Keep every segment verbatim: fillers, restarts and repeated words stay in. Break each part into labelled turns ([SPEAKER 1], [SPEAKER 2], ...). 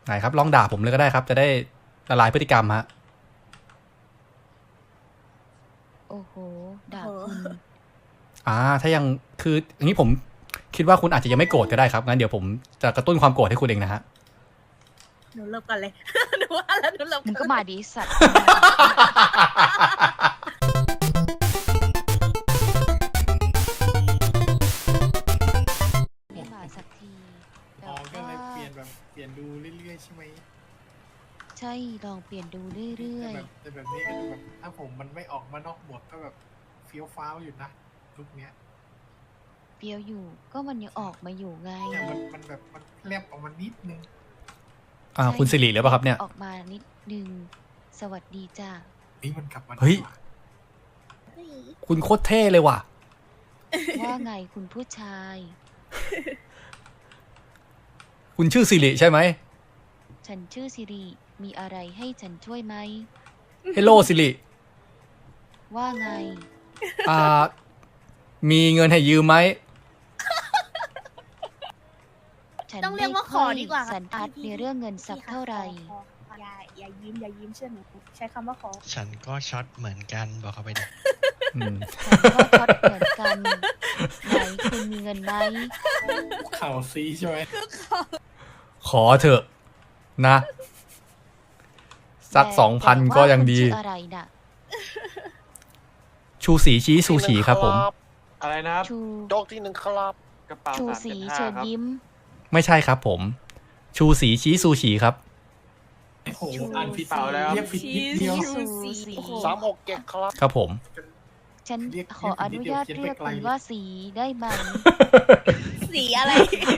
[SPEAKER 1] ไหนครับลองด่าผมเลยก็ได้ครับจะได้ละลายพฤติกรรมฮะ
[SPEAKER 2] โอ้โหด่าคุณ
[SPEAKER 1] อ่าถ้ายังคืออย่างนี้ผมคิดว่าคุณอาจจะยังไม่โกรธก็ได้ครับงั้นเดี๋ยวผมจะกระตุ้นความโกรธให้คุณเองนะฮะ
[SPEAKER 3] หนูเริ่มก่อนเลยหนูว่าแล้วหนูเริ่ม
[SPEAKER 2] มึงก็มาดิสัตว์ไม่มาสักที
[SPEAKER 4] อ๋อก็เลยเปลี่ยนแบบเปลี่ยนดูเรื่อยๆใช่ไหม
[SPEAKER 2] ใช่ลองเปลี่ยนดูเรื่อย
[SPEAKER 4] ๆแต่แบบนี้ก็ดูแบบถ้าผมมันไม่ออกมานอกหมวกก็แบบเฟี้ยวฟ้าวอยู่นะลุกเนี้ย
[SPEAKER 2] เปรียวอยู่ก็มันยังออกมาอยู่ไง
[SPEAKER 4] เนี่ยมันมันแบบมันแลบออกมานิดนึง
[SPEAKER 1] อ่าคุณสิริหรือเปล่าครับเนี่ย
[SPEAKER 2] ออกมานิดนึงสวัสดีจ้า
[SPEAKER 4] นี่มันกลับมา
[SPEAKER 1] เฮ้ยคุณโคตรเท่เลยว่ะ
[SPEAKER 2] ว่าไงคุณผู้ชาย
[SPEAKER 1] คุณชื่อสิริใช่ไหม
[SPEAKER 2] ฉันชื่อสิริมีอะไรให้ฉันช่วยไหม
[SPEAKER 1] เฮลโลสิริ
[SPEAKER 2] ว่าไง
[SPEAKER 1] อ่ามีเงินให้ยืมไหม
[SPEAKER 3] ต้องเรียกว่าขอดีกว่า
[SPEAKER 2] สันทัดในเรื่องเงินสักเท่าไหร่
[SPEAKER 3] อย่าอย่ายิ้มอย่ายิ้มเชื่อหนูใช้คำว่าขอ
[SPEAKER 5] ฉันก็ช็อตเหมือนกันบอกเขาไปดิ
[SPEAKER 2] ฉันก็ช็อตเหมือนกันไหนคุณมีเงินไหม
[SPEAKER 4] ข่าวซีใช่ไหม
[SPEAKER 1] ขอเถอะนะสักสองพันก็ยังดี
[SPEAKER 2] อะไรน่ะ
[SPEAKER 1] ชูสีชี้ซูชิครับผม
[SPEAKER 6] อะไรนะครับ
[SPEAKER 2] โ
[SPEAKER 6] จ๊กที่หนึ่งครับ
[SPEAKER 2] กระเป๋าชูสีเชิญยิ้ม
[SPEAKER 1] ไม่ใช่ครับผมชูสีชี้ซูชิครับ
[SPEAKER 4] โอ้โหอ่านผิดเปล่าแล้วเรียกผิดนิดเดียว
[SPEAKER 6] สามหกเจ็ดครับ
[SPEAKER 1] ครับผม
[SPEAKER 2] ฉันขออนุญาตเรียกคุณว่าสีได้ไหม
[SPEAKER 3] สีอะไร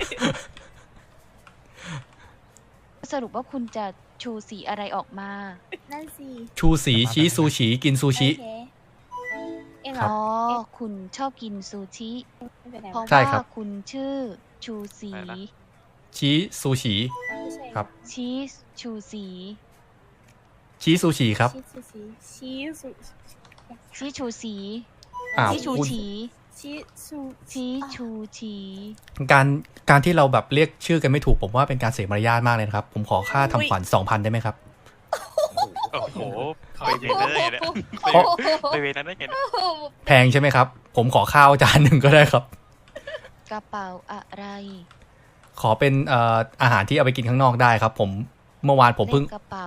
[SPEAKER 2] สรุปว่าคุณจะชูสีอะไรออกมา
[SPEAKER 3] นั่นสิ
[SPEAKER 1] ชูสีชี้ซูชิกินซูชิ
[SPEAKER 2] เองอ๋อคุณชอบกินซูชิเพราะว่าคุณชื่อชูสี
[SPEAKER 1] ชี้ซูชิครับ
[SPEAKER 2] ชี้ชูสี
[SPEAKER 1] ชี้ซูชิครับ
[SPEAKER 3] ชี้ซู
[SPEAKER 2] ชี้ชูสี
[SPEAKER 1] ชี้
[SPEAKER 2] ชูชี
[SPEAKER 3] ชี้ชู
[SPEAKER 2] ชี้ชูชี
[SPEAKER 1] การการที่เราแบบเรียกชื่อกันไม่ถูกผมว่าเป็นการเสียมารยาทมากเลยครับผมขอค่าทำขวัญสองพันได้ไหมครับ
[SPEAKER 6] โอ้โหไปเวรได้ไงไปเวรนั้นได้ไง
[SPEAKER 1] แพงใช่ไหมครับผมขอข้าวจานหนึ่งก็ได้ครับ
[SPEAKER 2] กระเป๋าอะไร
[SPEAKER 1] ขอเป็นเอ่ออาหารที่เอาไปกินข้างนอกได้ครับผมเมื่อวานผมเพิ่ง
[SPEAKER 2] กระเป๋า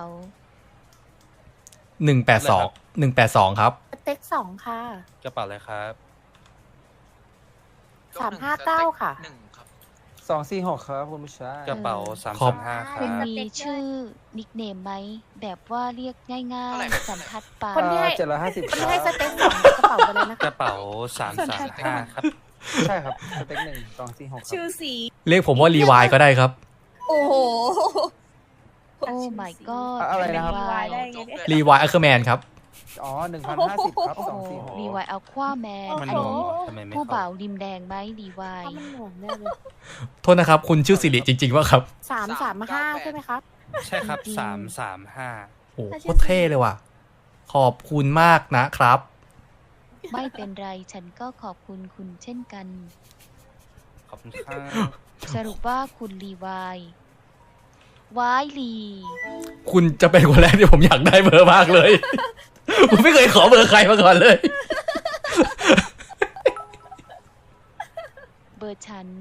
[SPEAKER 1] หนึ่งแปดสองหนึ่งแปดสองครับ
[SPEAKER 3] เต็กสองค่ะ
[SPEAKER 6] กระเป๋าอะไรครับ
[SPEAKER 3] สามห้าเก้าค่ะ
[SPEAKER 7] สองสี่หกครับคุณผู้ชาย
[SPEAKER 6] กระเป๋าสามสามห้าครับ
[SPEAKER 2] คุณมีชื่อนิคเนมไหมแบบว่าเรียกง่ายๆสันทัดปา
[SPEAKER 3] คนที่ให้
[SPEAKER 7] เจ็ดร้อยห้าสิบ
[SPEAKER 3] คนที่ให้สเต็กสองกระเป๋าไปเลยนะคะ
[SPEAKER 6] กระเป๋าสามสามห้าครับ
[SPEAKER 7] ใช่ครับสเต็กหนึ่งสองสี่หก
[SPEAKER 3] ชื่อสี
[SPEAKER 1] เรียกผมว่ารีวายก็ได้ครับ
[SPEAKER 3] โอ้โห
[SPEAKER 2] โอ้ my god
[SPEAKER 7] อะไรนะครับ
[SPEAKER 1] รีวายอัลเคอร์แมนครับ
[SPEAKER 7] อ๋อหนึ่งพันห้าสิบครับสองสี่หก
[SPEAKER 2] รีวายอัลควาแมนอันนี้ผู้บ่าวริมแดงไหมรีวาย
[SPEAKER 1] โทษนะครับคุณชื่อสิริจริงๆว่าครับ
[SPEAKER 3] สามสามห้าใช่ไหมครับ
[SPEAKER 6] ใช่ครับสามสามห้า
[SPEAKER 1] โอ้โคตรเท่เลยว่ะขอบคุณมากนะครับ
[SPEAKER 2] ไม่เป็นไรฉันก็ขอบคุณคุณเช่นกัน
[SPEAKER 6] ขอบคุณครับ
[SPEAKER 2] สรุปว่าคุณรีวายวายลี
[SPEAKER 1] คุณจะเป็นคนแรกที่ผมอยากได้เบอร์มากเลยผมไม่เคยขอเบอร์ใครมาก่อนเลย
[SPEAKER 2] เบอร์ฉัน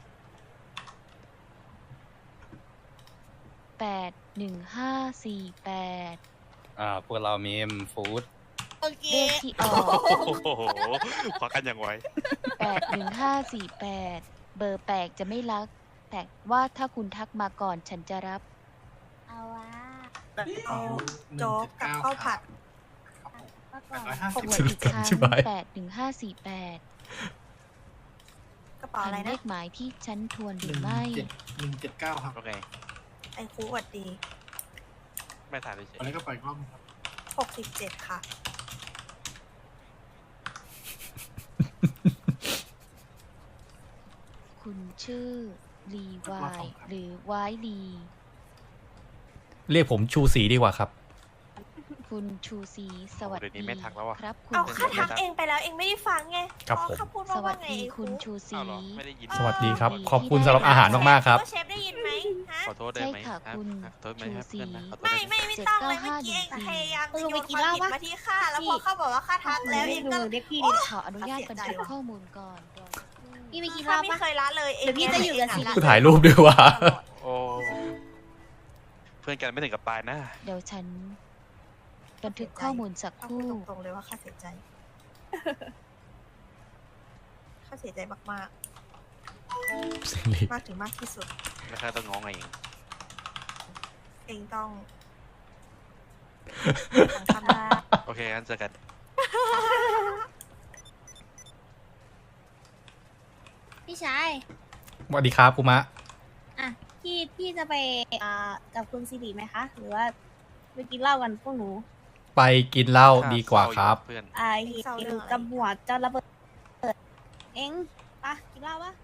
[SPEAKER 2] แปดหนึ่งห้าสี่แปด
[SPEAKER 6] อ่าพวกเรามีเอ็มฟู้ด
[SPEAKER 2] เลขที่ออก
[SPEAKER 6] โอ้โหควักกันอย่างไว
[SPEAKER 2] แปดหนึ่งห้าสี่แปดเบอร์แปลกจะไม่รักแต่ว่าถ้าคุณทักมาก่อนฉันจะรับ
[SPEAKER 3] เอาวะเอาโจ๊กกับข้าวผัด
[SPEAKER 2] ขอบคุณอีกครั้งแปดหนึ่งห้าสี่แปด
[SPEAKER 3] กระเป๋าอะไรนะ
[SPEAKER 2] เลขหมายที่ฉันทวนหรือไม่
[SPEAKER 4] หนึ่งเจ็ดเก้าครับ
[SPEAKER 6] โอเค
[SPEAKER 3] ไอ้ครูสวัสดี
[SPEAKER 6] ไม่ถ่ายเลย
[SPEAKER 4] อันนี้ก็ไปกล้องครับ
[SPEAKER 3] หกสิบเจ็ดค่ะ
[SPEAKER 2] คุณชื่อรีวายหรือวายลี
[SPEAKER 1] เรียกผมชูสีดีกว่าครับ
[SPEAKER 2] คุณชูศรีสวัส
[SPEAKER 6] เดี๋ยว
[SPEAKER 2] ดี
[SPEAKER 6] นี้ไม่ทักแล้วอะ
[SPEAKER 2] ครับคุณ
[SPEAKER 3] เอาข้า
[SPEAKER 2] ชู
[SPEAKER 3] ทัก
[SPEAKER 2] ศรี
[SPEAKER 3] เองไปแล้วเองไม่ได้ฟังไง
[SPEAKER 1] ครับ
[SPEAKER 3] อ๋อ
[SPEAKER 1] ผม
[SPEAKER 3] ข้าพูด
[SPEAKER 2] ส
[SPEAKER 3] ว่า
[SPEAKER 2] วั
[SPEAKER 3] ว่า
[SPEAKER 2] ส
[SPEAKER 3] ไง
[SPEAKER 2] ดี
[SPEAKER 3] ไอ้
[SPEAKER 2] คุณ
[SPEAKER 3] ครู
[SPEAKER 2] ชูศรี
[SPEAKER 6] อ้าวเหรอไม่ได้ยิน
[SPEAKER 1] สวัสดีครับ
[SPEAKER 2] ที่
[SPEAKER 1] ขอบคุณ
[SPEAKER 2] ได้
[SPEAKER 1] สำหรับอาหารมากๆครับ
[SPEAKER 3] ว่าเชฟได้ยินไหมฮะ
[SPEAKER 6] ขอโทษได้ไหม
[SPEAKER 2] ใช่ค่ะ
[SPEAKER 6] รับ
[SPEAKER 2] คุณ
[SPEAKER 6] ขอโทษไหม
[SPEAKER 2] ชู
[SPEAKER 6] ครับ
[SPEAKER 2] ศรี
[SPEAKER 6] เพื่อนนะขอโทษ
[SPEAKER 3] ไม่
[SPEAKER 6] ได้ไหม
[SPEAKER 3] ไม่ไม่ต้องเลยเมื่อกี้เองพยายามจะโยนความผิดมาที่ข้าแล้วพอข้าบอกว่าข้าทักแล้วเองก็
[SPEAKER 2] เรียกพี่ขออนุญาตบันทึกข้อมูลก่อนก่อน
[SPEAKER 8] พี่ไปกิน
[SPEAKER 3] ข้า
[SPEAKER 8] เหล้า
[SPEAKER 3] ไม่
[SPEAKER 8] ปะ
[SPEAKER 3] เคยละเลยเอง
[SPEAKER 8] เดี๋ยวพี่จะอยู่กับศิริ
[SPEAKER 1] กูถ่ายรูปด้วยว่ะ
[SPEAKER 6] โอ้เพื่อนกันไม่ถึงกับตายนะ
[SPEAKER 2] เดี๋ยวฉัน บันทึกข้อมูลสักค
[SPEAKER 3] ข้าพู
[SPEAKER 2] รู่
[SPEAKER 3] ดตรงๆเลยว่าข้าเสียใจข้าเสียใจมาก
[SPEAKER 1] สิริ
[SPEAKER 3] ๆมากถึงมากที่สุด
[SPEAKER 6] แล้วข้าต้องง้อไงเอง
[SPEAKER 3] เองต้องฟังคำลา
[SPEAKER 6] โอเคงั้นเจอกัน
[SPEAKER 8] พี่ชาย
[SPEAKER 1] สวัสดีครับคุมะ
[SPEAKER 8] อ่ะพี่พี่จะไปอ่ากับคุณสิริไหมคะ หรือว่าไปกินเหล้ากันพวกหนู
[SPEAKER 1] ไปกินเหล้าดีกว่าครับ
[SPEAKER 6] เพื่อน
[SPEAKER 8] อ่าเห็นกับหัวจะระเบิดเอ็งปะกินเหล้าปะ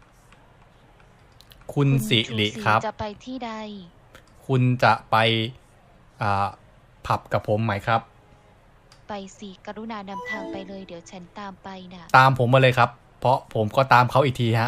[SPEAKER 1] คุณสิริครับ
[SPEAKER 2] จะไปที่ใด
[SPEAKER 1] คุณจะไปอ่าผับกับผมไหมครับ
[SPEAKER 2] ไปสิกรุณานำทางไปเลย เดี๋ยวฉันตามไปนะ
[SPEAKER 1] ตามผมมาเลยครับ เพราะผมก็ตามเขาอีกทีฮะ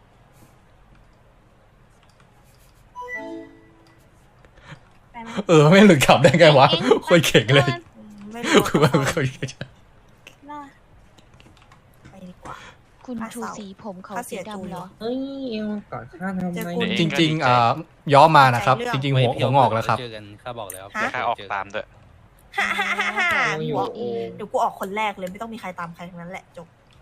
[SPEAKER 8] ไปไหม
[SPEAKER 1] เออ ไม่หลุดขับได้ไงวะ
[SPEAKER 8] เอ็ง
[SPEAKER 1] คุยเก่งเลย
[SPEAKER 3] อืมไม่รู้
[SPEAKER 1] คือว่าคุยเก่ง
[SPEAKER 8] เหล้า
[SPEAKER 3] ไปดีกว่า
[SPEAKER 2] คุณชูศรีผมเขา
[SPEAKER 3] ข้าเสี
[SPEAKER 2] สี
[SPEAKER 3] ยจู
[SPEAKER 2] ดำเหรอ
[SPEAKER 7] เฮ้ยเอ็งกอดข้าทำ
[SPEAKER 3] เจอ
[SPEAKER 7] ไม
[SPEAKER 3] คุณ
[SPEAKER 1] จริงๆอ่าย้อมมานะครับ จริง ๆ หัวหัวงอกแล้วครับ
[SPEAKER 9] เจอกันข้าบอกแล้ว
[SPEAKER 3] ฮะ
[SPEAKER 6] ข้าออกตามด้วย
[SPEAKER 3] ฮ่าฮ่าฮ่าฮ่า
[SPEAKER 1] โอ้ย
[SPEAKER 3] หัว
[SPEAKER 1] โอ้ย
[SPEAKER 3] เดี๋ยวกูออกคนแรกเลยไม่ต้องมีใครตามใครทั้งนั้นแหละจบ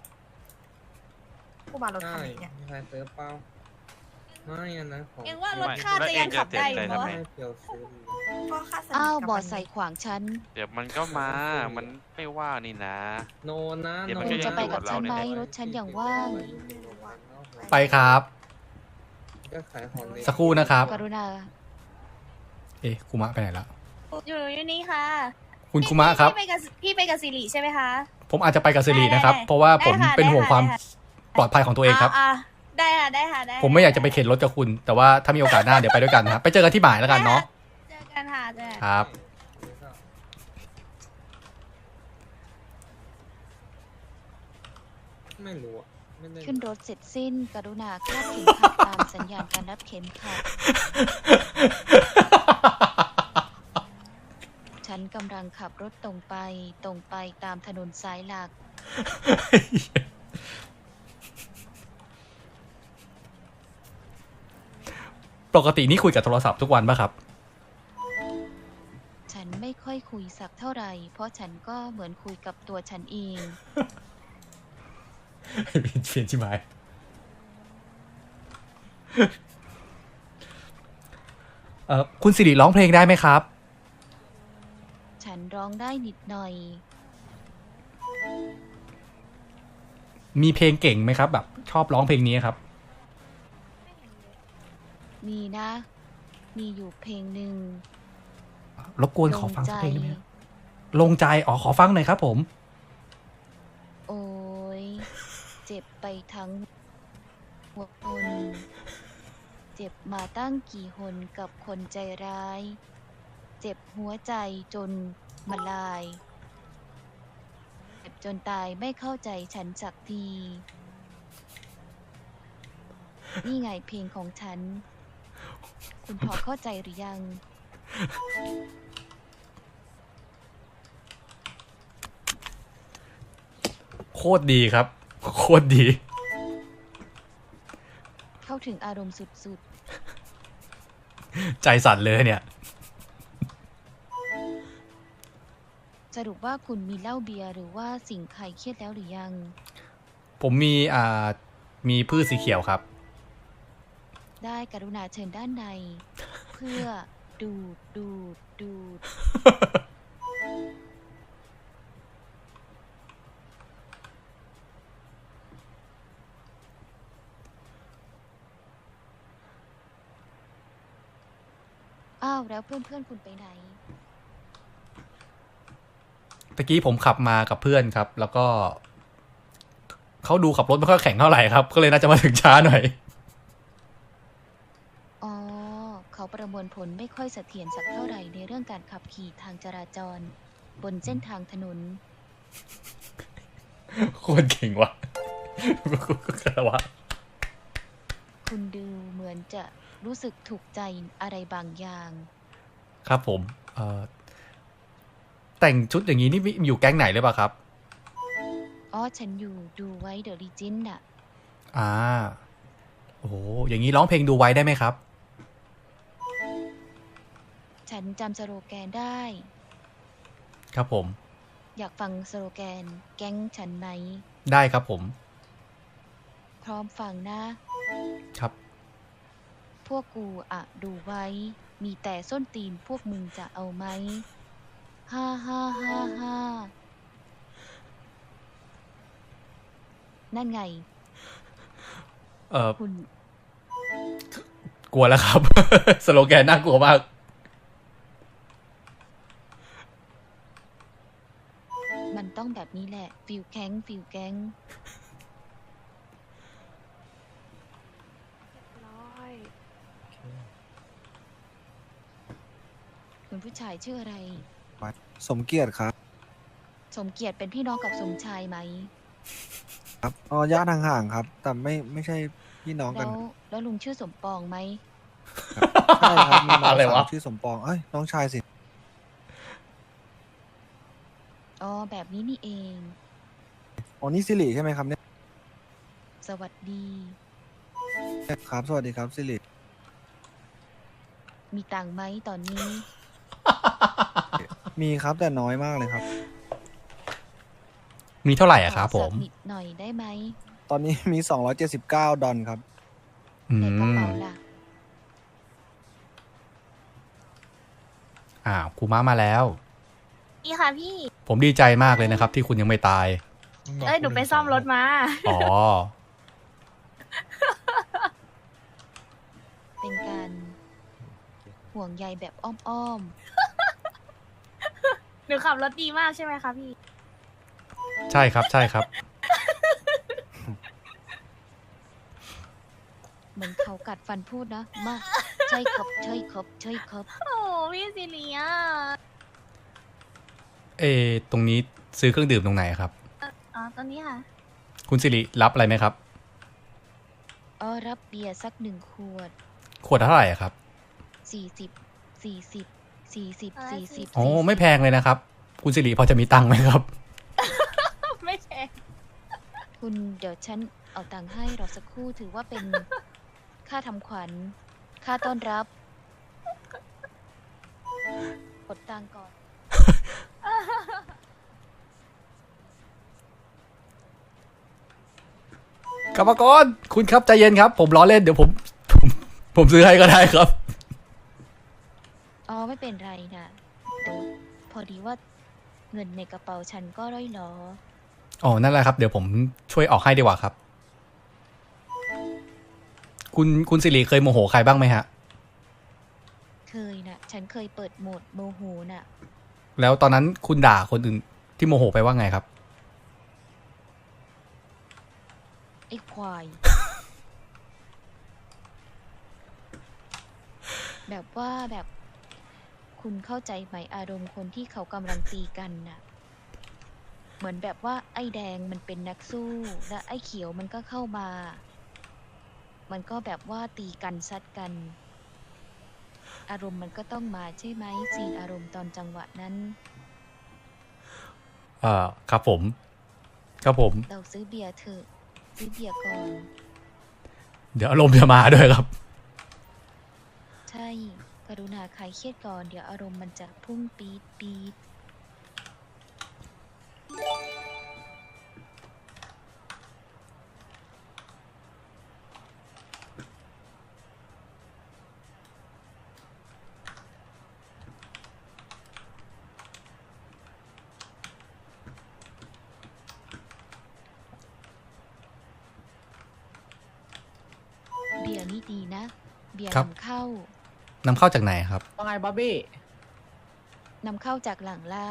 [SPEAKER 3] กูมารถคันไหนเนี่ย
[SPEAKER 7] ใครซื้อเปล่าไม่อะนะของ
[SPEAKER 8] เอ็งว่ารถข้าจะยังขับได้อยู่ปะวะ
[SPEAKER 7] ไม่เพียวซื้อ
[SPEAKER 3] ก็ค่าสนิท
[SPEAKER 2] อ้าว
[SPEAKER 3] กับบ
[SPEAKER 2] อ
[SPEAKER 3] มั
[SPEAKER 2] ด
[SPEAKER 3] น
[SPEAKER 2] ใส่ขวางฉัน
[SPEAKER 6] เดี๋ยวมันก็มา มันไม่ว่านี่นะ
[SPEAKER 7] โนนะ
[SPEAKER 6] เดี๋ยว
[SPEAKER 7] โน
[SPEAKER 6] มัน
[SPEAKER 2] คุ
[SPEAKER 6] ก็
[SPEAKER 2] ณ
[SPEAKER 6] ยัง
[SPEAKER 2] จะไปกับ
[SPEAKER 6] อยู่กับ
[SPEAKER 2] ฉันไหม
[SPEAKER 6] เราเนี่ย
[SPEAKER 2] รถฉันอย่างว่าง
[SPEAKER 1] ไปครับ
[SPEAKER 7] ก็ขายของใน
[SPEAKER 1] สักครู่นะครับ
[SPEAKER 2] กรุณา
[SPEAKER 1] เอ๊ะคุมะไปไหนละ
[SPEAKER 8] อยู่อยู่นี่ค่ะ
[SPEAKER 1] คุณคุมะครับ
[SPEAKER 8] พี่ไปกับพี่ไปกับสิริใช่ไหมคะ
[SPEAKER 1] ผมอาจจะไปกับสิรินะครับ
[SPEAKER 8] ได้ได้
[SPEAKER 1] เพราะว่าผม
[SPEAKER 8] ได้ค่ะ
[SPEAKER 1] เป็นห่วง
[SPEAKER 8] ได้ค่ะ
[SPEAKER 1] ความ
[SPEAKER 8] ได้ค่ะ
[SPEAKER 1] ปลอดภัยของตัวเองครับ
[SPEAKER 8] าๆได้ค่ะได้ค่ะได้
[SPEAKER 1] ผมไม่อยากจะไปเข็นรถกับคุณ แต่ว่าถ้ามีโอกาสหน้าเดี๋ยวไปด้วยกันนะครับ ไปเจอกันที่หมายแล้วกันเนาะ
[SPEAKER 8] เจอกันค่ะเจอกัน
[SPEAKER 1] ครับ
[SPEAKER 7] ไม่รู้อะไม่ได้
[SPEAKER 2] ขึ้นรถเสร็จสิ้น กรุณาคาดเข็มขัดตามสัญญาณการนับเข็มขัด ฉันกำลังขับรถตรงไป ตรงไปตามถนนสายหลัก
[SPEAKER 1] ปกตินี่คุยกับโทรศัพท์ทุกวันป่ะครับ
[SPEAKER 2] ฉันไม่ค่อยคุยสักเท่าไหร่ เพราะฉันก็เหมือนคุยกับตัวฉันเอง
[SPEAKER 1] เปลี่ยนชิบหายเอ่อคุณสิริร้องเพลงได้ไหมครับ
[SPEAKER 2] ฉันร้องได้นิดหน่อย
[SPEAKER 1] มีเพลงเก่งไหมครับ แบบชอบร้องเพลงนี้ครับ
[SPEAKER 2] มีนะ มีอยู่เพลงหนึ่ง
[SPEAKER 1] รบกวนขอฟังสักเพลงได้ไหมครับลงใจ อ๋อ ขอฟังหน่อยครับผม
[SPEAKER 2] โอ้ย เจ็บไปทั้งหัวคน เจ็บมาตั้งกี่หนกับคนใจร้าย เจ็บหัวใจจนมาลาย เจ็บจนตายไม่เข้าใจฉันสักที นี่ไงเพลงของฉัน คุณพอเข้าใจหรือยัง
[SPEAKER 1] โคตรดีครับ โคตรดี
[SPEAKER 2] เข้าถึงอารมณ์สุด
[SPEAKER 1] ใจสั่นเลยเนี่ย
[SPEAKER 2] ๆ สรุปว่าคุณมีเหล้าเบียร์หรือว่าสิ่งใครเครียดแล้วหรือยัง
[SPEAKER 1] ผมมีอ่า มีพืชสีเขียวครับ
[SPEAKER 2] ได้กรุณาเชิญด้านใน เพื่อดูดดูดดูด อ้าวแล้วเพื่อนเพื่อนๆคุณไปไหน
[SPEAKER 1] ตะกี้ผมขับมากับเพื่อนครับ แล้วก็ เขาดูขับรถไม่ค่อยแข็งเท่าไหร่ครับ ก็เลยน่าจะมาถึงช้าหน่อย
[SPEAKER 2] อ๋อ เขาประมวลผลไม่ค่อยเสถียรสักเท่าไหร่ในเรื่องการขับขี่ทางจราจร บนเส้นทางถนน
[SPEAKER 1] โคตรเก่งว่ะอะไรวะ
[SPEAKER 2] คุณดูเหมือนจะรู้สึกถูกใจอะไรบางอย่าง
[SPEAKER 1] ครับผมเอ่อแต่งชุดอย่างนี้นี่มีอยู่แก๊งไหนหรือเปล่าครับ
[SPEAKER 2] อ๋อ ฉันอยู่ดูไว้เดอะลีจินน่ะ
[SPEAKER 1] อ่าโอ้โหอย่างนี้ร้องเพลงดูไว้ได้ไหมครับ
[SPEAKER 2] ฉันจำสโลแกนได้
[SPEAKER 1] ครับผม
[SPEAKER 2] อยากฟังสโลแกนแก๊งฉันไหม
[SPEAKER 1] ได้ครับผม
[SPEAKER 2] พร้อมฟังนะ
[SPEAKER 1] ครับ
[SPEAKER 2] พวกกูอะดูไว้ มีแต่ส้นตีนพวกมึงจะเอาไหมฮ่าฮ่าฮ่าฮ่านั่นไง
[SPEAKER 1] เอ่อ
[SPEAKER 2] คุณ
[SPEAKER 1] กลัวแล้วครับ สโลแกนน่ากลัวมาก
[SPEAKER 2] มันต้องแบบนี้แหละ ฟิลแก๊งฟิลแก๊งคุณผู้ชายชื่ออะไร
[SPEAKER 9] สมเกียรติครับ
[SPEAKER 2] สมเกียรติเป็นพี่น้องกับสมชายไหม
[SPEAKER 9] ครับอ๋อญาติห่างๆครับ แต่ไม่ไม่ใช่พี่น้องกั
[SPEAKER 2] แล้
[SPEAKER 9] น
[SPEAKER 2] วแล้วลุงชื่อสมปองไหม
[SPEAKER 9] ใช่ครับมีน้อง
[SPEAKER 1] อะไร
[SPEAKER 9] สาว
[SPEAKER 1] ะ
[SPEAKER 9] ชื่อสมปองเอ้ยน้องชายสิ
[SPEAKER 2] อ๋อ แบบนี้นี่เอง
[SPEAKER 9] อ๋อนี่สิริใช่ไหมครับเนี่ย
[SPEAKER 2] สวัสดี
[SPEAKER 9] ครับ สวัสดีครับสิริ
[SPEAKER 2] มีตังค์ไหมตอนนี้
[SPEAKER 9] มีครับแต่น้อยมากเลยครับ
[SPEAKER 1] มีเท่าไหร่อะครับ
[SPEAKER 2] ข
[SPEAKER 1] ผ
[SPEAKER 2] อสั
[SPEAKER 1] ม
[SPEAKER 2] กนิดหน่อยได้ไหม
[SPEAKER 9] ตอนนี้มีสองร้อยเจ็ดสิบเก้าดอลครับ
[SPEAKER 1] อื
[SPEAKER 2] ในกระ
[SPEAKER 1] ม
[SPEAKER 2] เป๋าล่ะ
[SPEAKER 1] อ้าวครูม้ามาแล้ว
[SPEAKER 8] นี่ค่ะพี่
[SPEAKER 1] ผมดีใจมากเลยนะครับ ที่คุณยังไม่ตาย
[SPEAKER 8] เอ้ย หนูไปซ่อมรถมา
[SPEAKER 1] อ๋อ
[SPEAKER 2] เป็นการห่วงใยแบบอ้อม
[SPEAKER 8] หนูขับรถดีมากใช่ไหมคะพี่
[SPEAKER 1] ใช่ครับ ใช่ครับ
[SPEAKER 2] ๆ เหมือนเขากัดฟันพูดนะ มา ใช่ครับ ใช่ครับ ใช่ครับ
[SPEAKER 8] โอ้พี่สิริอ่ะ
[SPEAKER 1] เออตรงนี้ซื้อเครื่องดื่มตรงไหนครับ
[SPEAKER 8] อ๋อ ตอนนี้ค่ะ
[SPEAKER 1] คุณสิริรับอะไรไหมครับ
[SPEAKER 2] อ๋อ รับเบียร์สักหนึ่งขวด
[SPEAKER 1] ขวดเท่าไหร่อะครับ
[SPEAKER 2] สี่สิบ สี่สิบ สี่สิบ
[SPEAKER 8] อะไร
[SPEAKER 2] สี่สิบ
[SPEAKER 1] โอ้ไม่แพงเลยนะครับ คุณสิริพอจะมีตังค์ไหมครับ
[SPEAKER 8] ไม่แพง
[SPEAKER 2] คุณเดี๋ยวฉันเอาตังค์ให้รอสักครู่ถือว่าเป็น ค่าทำขวัญ ค่าต้อนรับ กดตังค์ก่อน
[SPEAKER 1] กรรมกรคุณครับใจเย็นครับ ผมล้อเล่นเดี๋ยวผมผม ผมซื้อให้ก็ได้ครับ
[SPEAKER 2] อ๋อ ไม่เป็นไรนะเดี๋ยวพอดีว่าเงินในกระเป๋าฉันก็ร่อยหรอ
[SPEAKER 1] อ๋อ นั่นแหละครับ เดี๋ยวผมช่วยออกให้ดีกว่าครับ คุณคุณสิริเคยโมโหใครบ้างไหมฮะ
[SPEAKER 2] เคยนะฉันเคยเปิดโหมดโมโหน่ะ
[SPEAKER 1] แล้วตอนนั้นคุณด่าคนอื่นที่โมโหไปว่าไงครับ
[SPEAKER 2] ไอ้ควาย แบบว่าแบบคุณเข้าใจไหมอารมณ์คนที่เขากำลังตีกันน่ะ เหมือนแบบว่าไอ้แดงมันเป็นนักสู้ และไอ้เขียวมันก็เข้ามา มันก็แบบว่าตีกันซัดกัน อารมณ์มันก็ต้องมาใช่ไหมซีนอารมณ์ตอนจังหวะนั้น
[SPEAKER 1] เอ่อครับผม ครับผม
[SPEAKER 2] เราซื้อเบียร์เถอะซื้อเบียร์ก่อน
[SPEAKER 1] เดี๋ยวอารมณ์จะมาด้วยครับ
[SPEAKER 2] ใช่ กรุณาคลายเครียดก่อน เดี๋ยวอารมณ์มันจะพุ่งปี๊ดปี๊ด เบียร์นี่ดีนะ เบียร์
[SPEAKER 1] ครับ
[SPEAKER 2] นำเข้า
[SPEAKER 1] นำเข้าจากไหนครับ
[SPEAKER 10] ว่าไงบ๊อบบี้
[SPEAKER 2] นำเข้าจากหลังร้าน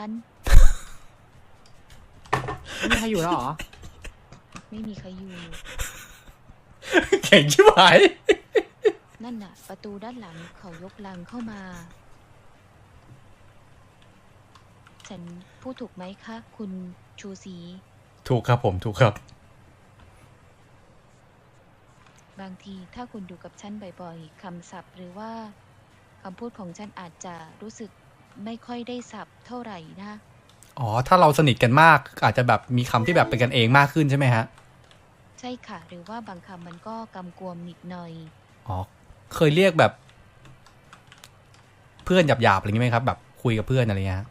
[SPEAKER 10] ไม่มีใครอยู่แล้วเหรอ
[SPEAKER 2] ไม่มีใครอยู่
[SPEAKER 1] เก่งชิบหาย
[SPEAKER 2] นั่นน่ะ ประตูด้านหลังเขายกลังเข้ามา ฉันพูดถูกไหมคะ คุณชูศรี
[SPEAKER 1] ถูกครับผมถูกครับ
[SPEAKER 2] บางทีถ้าคุณอยู่กับฉันบ่อยๆคำศัพท์หรือว่าคำพูดของฉันอาจจะรู้สึกไม่ค่อยได้สับเท่าไหร่นะ
[SPEAKER 1] อ๋อถ้าเราสนิทกันมากอาจจะแบบมีคำที่แบบเป็นกันเองมากขึ้นใช่ไหมฮะ
[SPEAKER 2] ใช่ค่ะ หรือว่าบางคำมันก็กำกวมนิดหน่อย
[SPEAKER 1] อ๋อเคยเรียกแบบ เพื่อนหยาบๆอะไรอย่างงี้ไหมครับ แบบคุยกับเพื่อนอะไรเงี้ย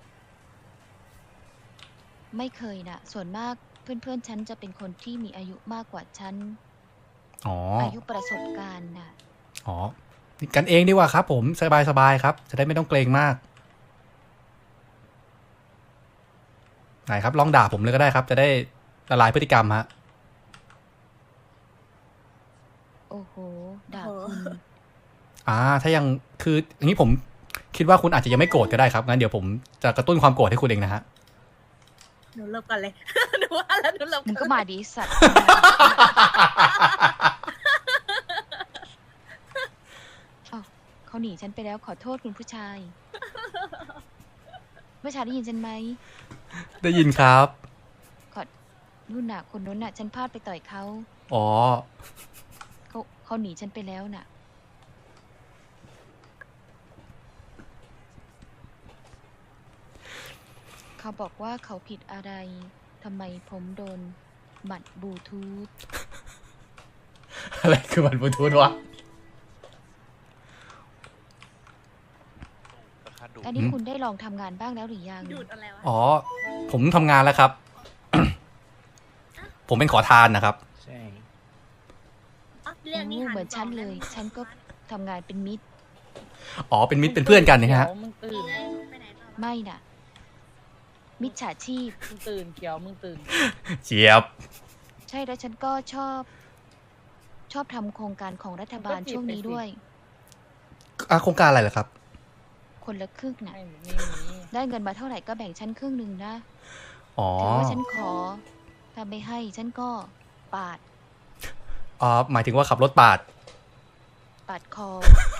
[SPEAKER 2] ไม่เคยนะส่วนมากเพื่อนๆฉันจะเป็นคนที่มีอายุมากกว่าฉัน
[SPEAKER 1] อ๋อ
[SPEAKER 2] อายุประสบการณ์น่ะ
[SPEAKER 1] อ๋อกันเองดีกว่าครับ ผมสบายๆครับ จะได้ไม่ต้องเกรงมากไหนครับลองด่าผมเลยก็ได้ครับ จะได้ละลายพฤติกรรมฮะ
[SPEAKER 2] โอ้โหด่า
[SPEAKER 3] โอ้โห
[SPEAKER 2] คุณ
[SPEAKER 1] อ่า ถ้ายังคืออย่างนี้ผมคิดว่าคุณอาจจะยังไม่โกรธก็ได้ครับงั้นเดี๋ยวผมจะกระตุ้นความโกรธให้คุณเองนะฮะ
[SPEAKER 3] หนูหลบก่อนเลย หนูว่าแล้วหนูหลบ
[SPEAKER 2] มึงก็มาดีสัตว์ อ้าวเขาหนีฉันไปแล้วขอโทษคุณผู้ชายผู้ชายได้ยินฉันไหม
[SPEAKER 1] ได้ยินครับ
[SPEAKER 2] ขอนู่นน่ะคนนู้นน่ะ ฉันพลาดไปต่อยเขา
[SPEAKER 1] อ๋อ
[SPEAKER 2] เขาเขาหนีฉันไปแล้วน่ะ เขาบอกว่าเขาผิดอะไรทำไมผมโดนหมัดบลูทูธ
[SPEAKER 1] อะไรคือมันบลูทูธวะ
[SPEAKER 2] อันนี้คุณได้ลองทำงานบ้างแล้วหรือยัง
[SPEAKER 3] ดูดอะไรวะ
[SPEAKER 1] อ๋อ ผมทำงานแล้วครับ ผมเป็นขอทานนะครับ
[SPEAKER 10] ใช่
[SPEAKER 3] อ๋อเรียกนี่
[SPEAKER 2] โอ้
[SPEAKER 3] หัน
[SPEAKER 2] เหมือนฉัน
[SPEAKER 3] ก
[SPEAKER 2] เลย ฉันก็ทำงานเป็นมิตร
[SPEAKER 1] อ๋อ เป็นมิตรเป็นเพื่อนกันนะฮะ
[SPEAKER 10] มึงตื่น
[SPEAKER 3] ไปไหนต่อวะ
[SPEAKER 2] ไม่น่ะ มิจฉาชีพ
[SPEAKER 10] มึงตื่นเขียวมึงตื่น
[SPEAKER 1] เจี๊ยบ
[SPEAKER 2] ใช่แล้วฉันก็ชอบ ชอบทำโครงการของรัฐบาล
[SPEAKER 10] ก็จีบ
[SPEAKER 2] ช่วงนี้
[SPEAKER 10] ไปสิ
[SPEAKER 2] ด้วย
[SPEAKER 1] อ่ะโครงการอะไรเหรอครับ
[SPEAKER 2] คนละครึ่งน่ะ
[SPEAKER 10] ไม่มีมี
[SPEAKER 2] ได้เงินมาเท่าไหร่ก็แบ่งฉันครึ่งหนึ่งนะ
[SPEAKER 1] อ๋อ
[SPEAKER 2] ถือว่าฉันขอ ถ้าไม่ให้ฉันก็ปาด
[SPEAKER 1] อ๋อ หมายถึงว่าขับรถปาด
[SPEAKER 2] ปาดคอ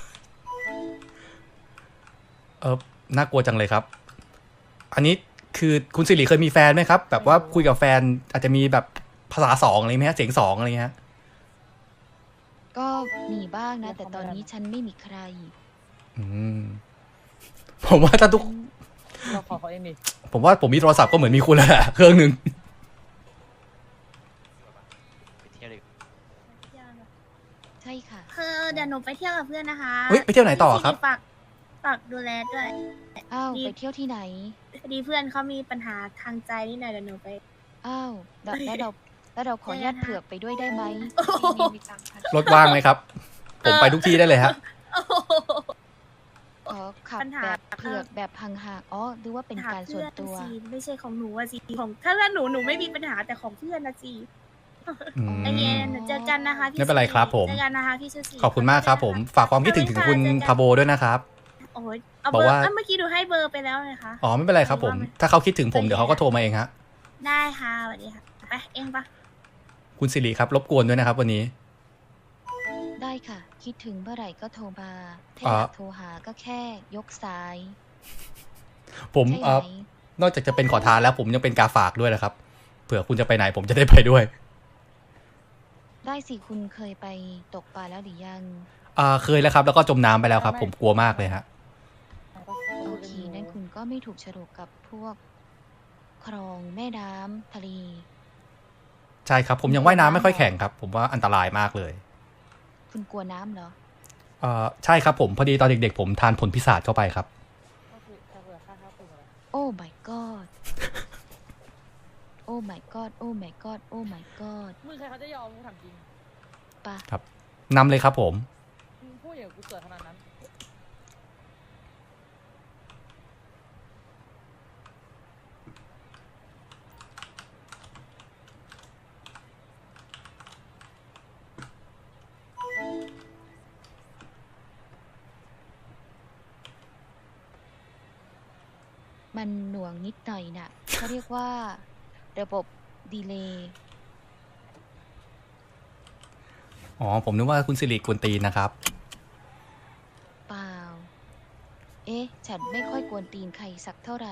[SPEAKER 1] เออน่ากลัวจังเลยครับ อันนี้คือคุณสิริเคยมีแฟนไหมครับ แบบว่าคุยกับแฟนอาจจะมีแบบภาษาสองอะไรไหมฮะ เสียงสองอะไรเงี้ย
[SPEAKER 2] ก็มีบ้างนะ แต่ตอนนี้ฉันไม่มีใคร
[SPEAKER 1] อืม ผมว่าถ้าทุก
[SPEAKER 10] เราขอเขาเองดิ
[SPEAKER 1] ผมว่าผมมีโทรศัพท์ก็เหมือนมีคุณแล้วแหละเครื่องหนึ่ง
[SPEAKER 2] ใช่ค่ะ
[SPEAKER 3] คือเดี๋ยวหนูไปเที่ยวกับเพื่อนนะคะ
[SPEAKER 1] เฮ้ยไปเที่ยวไหนต่อครับ
[SPEAKER 3] ฝากฝากดูแลด้วย
[SPEAKER 2] อ้าว
[SPEAKER 3] ดี
[SPEAKER 2] ไปเที่ยวที่ไหน
[SPEAKER 3] พอดีเพื่อนเขามีปัญหาทางใจนิดหน่อยเดี๋ยวหนูไป
[SPEAKER 2] อ้าวแล้วแล้วเราแล้วเราขออนุญาตเผือกไปด้วยได้ไหม
[SPEAKER 3] โอ้โห
[SPEAKER 2] นี่มีตังค์ค่ะ
[SPEAKER 1] รถว่างไหมครับ ผมไปทุกที่ได้เลยฮะ
[SPEAKER 3] โอ้โห
[SPEAKER 2] ขอขับ
[SPEAKER 3] ปัญหา
[SPEAKER 2] แบบเผือกแบบห่างๆอ๋อหรือว่าเป็นการส่วนตัว
[SPEAKER 3] หาเพื่อนสิไม่ใช่ของหนูอะสิของถ้าเพื่อนหนูหนูไม่มีปัญหาแต่ของเพื่อนนะสิ
[SPEAKER 1] อืม
[SPEAKER 3] โอเคเดี๋ยวเจอกันนะคะพี่
[SPEAKER 1] ไม่เป็นไรครับผม
[SPEAKER 3] เจอกันนะคะพี่ซูซี่
[SPEAKER 1] ขอบคุณมากครับผม ฝากความคิดถึงถึงคุณพาโบด้วยนะครับ
[SPEAKER 3] โอ้ยเอา
[SPEAKER 1] บอ
[SPEAKER 3] เบ
[SPEAKER 1] ก
[SPEAKER 3] อร์
[SPEAKER 1] ว่า
[SPEAKER 3] เอ้ยเมื่อกี้ดูให้เบอร์ไปแล้วเลยค่ะ
[SPEAKER 1] อ๋อไม่เป็นไรครับผม ถ้าเขาคิดถึงผมเดี๋ยวเขาก็โทรมาเองฮะ
[SPEAKER 3] ได้ค่ะสวัสดีค่ะไปเองปะ
[SPEAKER 1] คุณสิริครับรบกวนด้วยนะครับ วันนี้
[SPEAKER 2] ได้ค่ะ คิดถึงเมื่อไหร่ก็โทรมาถ้า
[SPEAKER 1] อ่า
[SPEAKER 2] อยากโทรหาก็แค่ยกสาย
[SPEAKER 1] ผม
[SPEAKER 2] ใช่
[SPEAKER 1] เอ่
[SPEAKER 2] ไห
[SPEAKER 1] อ
[SPEAKER 2] ม
[SPEAKER 1] นอกจากจะเป็นขอทานแล้วผมยังเป็นกาฝากด้วยนะครับ เผื่อคุณจะไปไหนผมจะได้ไปด้วย
[SPEAKER 2] ได้สิคุณเคยไปตกปลาแล้วหรือยัง
[SPEAKER 1] อ่าเคยแล้วครับ แล้วก็จมน้ำไปแล้วครับ ผมกลัวมากเลยฮะ
[SPEAKER 2] โอเคนั่นคุณก็ไม่ถูกฉลกกับพวกคลองแม่น้ำทะเล
[SPEAKER 1] ใช่ครับ ผมยังว่ายน้ำไม่ค่อยแข็งครับ ผมว่าอันตรายมากเลย
[SPEAKER 2] คุณกลัวน้ำเหรอ
[SPEAKER 1] เอ่อใช่ครับผมพอดีตอนเด็กๆ ผมทานผลพิศาจเข้าไปครับ
[SPEAKER 10] ก็คือถ้าเผื่อค่าข้าวปรุงอะไร
[SPEAKER 2] โอ้ my god โอ้ my god โอ้ my god โอ้ my god
[SPEAKER 10] มึงใครเขาจะยอมมึงถามจริง
[SPEAKER 2] ปะ
[SPEAKER 1] นำเลยครับผม
[SPEAKER 10] มึงพูดอย่างกูเกิดขนาดนั้น
[SPEAKER 2] มันหน่วงนิดหน่อยน่ะ เขาเรียกว่า ระบบดีเลย์
[SPEAKER 1] อ๋อผมนึกว่าคุณสิริกวนตีนนะครับ
[SPEAKER 2] เอ๊ะ ฉันไม่ค่อยกวนตีนใครสักเท่าไหร่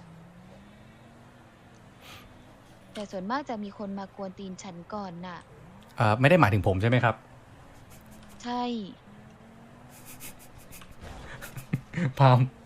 [SPEAKER 2] แต่ส่วนมากจะมีคนมากวนตีนฉันก่อนน่ะ
[SPEAKER 1] เอ่อไม่ได้หมายถึงผมใช่ไหมครับ
[SPEAKER 2] ใช่
[SPEAKER 1] พาม